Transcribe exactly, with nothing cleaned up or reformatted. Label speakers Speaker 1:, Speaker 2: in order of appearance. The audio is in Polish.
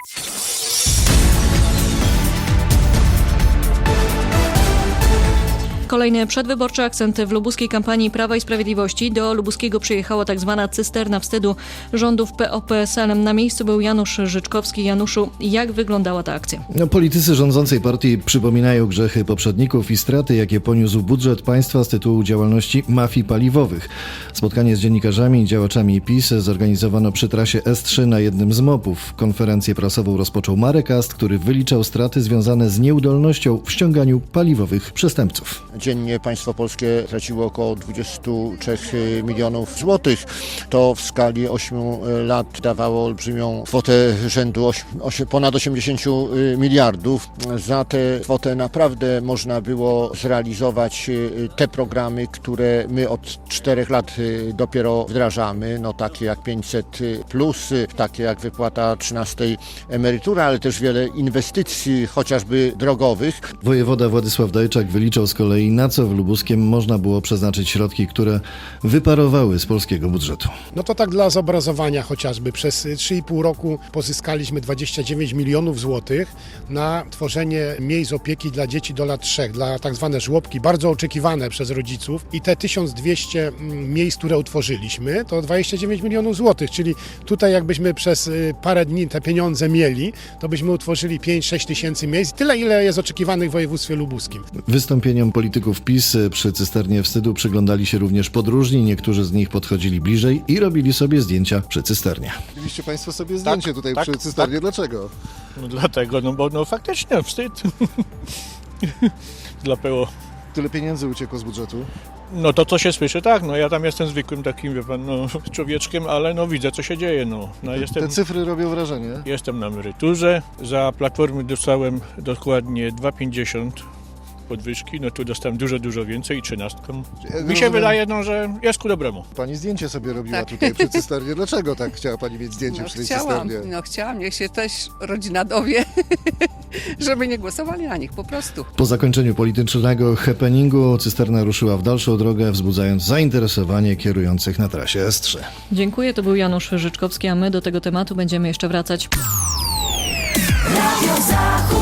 Speaker 1: Kolejny przedwyborczy akcent w lubuskiej kampanii Prawa i Sprawiedliwości. Do Lubuskiego przyjechała tak zwana cysterna wstydu rządów P O P S L. Na miejscu był Janusz Życzkowski. Januszu, jak wyglądała ta akcja?
Speaker 2: No, politycy rządzącej partii przypominają grzechy poprzedników i straty, jakie poniósł budżet państwa z tytułu działalności mafii paliwowych. Spotkanie z dziennikarzami i działaczami PiS zorganizowano przy trasie S trzy na jednym z mopów. Konferencję prasową rozpoczął Marek Ast, który wyliczał straty związane z nieudolnością w ściąganiu paliwowych przestępców.
Speaker 3: Dziennie państwo polskie traciło około dwadzieścia trzy milionów złotych. To w skali ośmiu lat dawało olbrzymią kwotę rzędu ośm, ponad osiemdziesiąt miliardów. Za tę kwotę naprawdę można było zrealizować te programy, które my od czterech lat dopiero wdrażamy, no takie jak pięćset plus, takie jak wypłata trzynastej emerytury, ale też wiele inwestycji, chociażby drogowych.
Speaker 2: Wojewoda Władysław Dajczak wyliczał z kolei, na co w Lubuskiem można było przeznaczyć środki, które wyparowały z polskiego budżetu.
Speaker 4: No to tak dla zobrazowania chociażby. Przez trzy i pół roku pozyskaliśmy dwadzieścia dziewięć milionów złotych na tworzenie miejsc opieki dla dzieci do lat trzech, dla tak zwane żłobki, bardzo oczekiwane przez rodziców. I te tysiąc dwieście miejsc, które utworzyliśmy, to dwadzieścia dziewięć milionów złotych, czyli tutaj jakbyśmy przez parę dni te pieniądze mieli, to byśmy utworzyli pięć sześć tysięcy miejsc, tyle ile jest oczekiwanych w województwie lubuskim.
Speaker 2: Wystąpieniom polityków PiS przy cysternie wstydu przyglądali się również podróżni. Niektórzy z nich podchodzili bliżej i robili sobie zdjęcia przy cysternie.
Speaker 5: Robiliście Państwo sobie zdjęcie
Speaker 6: tak,
Speaker 5: tutaj
Speaker 6: tak,
Speaker 5: przy cysternie.
Speaker 6: tak.
Speaker 5: Dlaczego?
Speaker 6: No dlatego, no bo no faktycznie wstyd. Dla P O.
Speaker 5: Tyle pieniędzy uciekło z budżetu.
Speaker 6: No to co się słyszy, tak, no ja tam jestem zwykłym takim, wie pan, no, człowieczkiem, ale no widzę co się dzieje, no. no jestem,
Speaker 5: Te cyfry robią wrażenie.
Speaker 6: jestem na emeryturze, za Platformy dostałem dokładnie dwa pięćdziesiąt podwyżki, no tu dostałem dużo, dużo więcej i trzynastką. Mi się
Speaker 5: Rozumiem,
Speaker 6: wydaje, no, że jest ku dobremu.
Speaker 5: Pani zdjęcie sobie robiła
Speaker 7: Tak.
Speaker 5: tutaj przy cysternie. Dlaczego tak chciała Pani mieć zdjęcie
Speaker 7: No
Speaker 5: przy tej
Speaker 7: chciałam,
Speaker 5: cysternie?
Speaker 7: no chciałam, niech się też rodzina dowie, żeby nie głosowali na nich, po prostu.
Speaker 2: Po zakończeniu politycznego happeningu cysterna ruszyła w dalszą drogę, wzbudzając zainteresowanie kierujących na trasie S trzy.
Speaker 1: Dziękuję, to był Janusz Życzkowski, a my do tego tematu będziemy jeszcze wracać.
Speaker 8: Radio Zachód.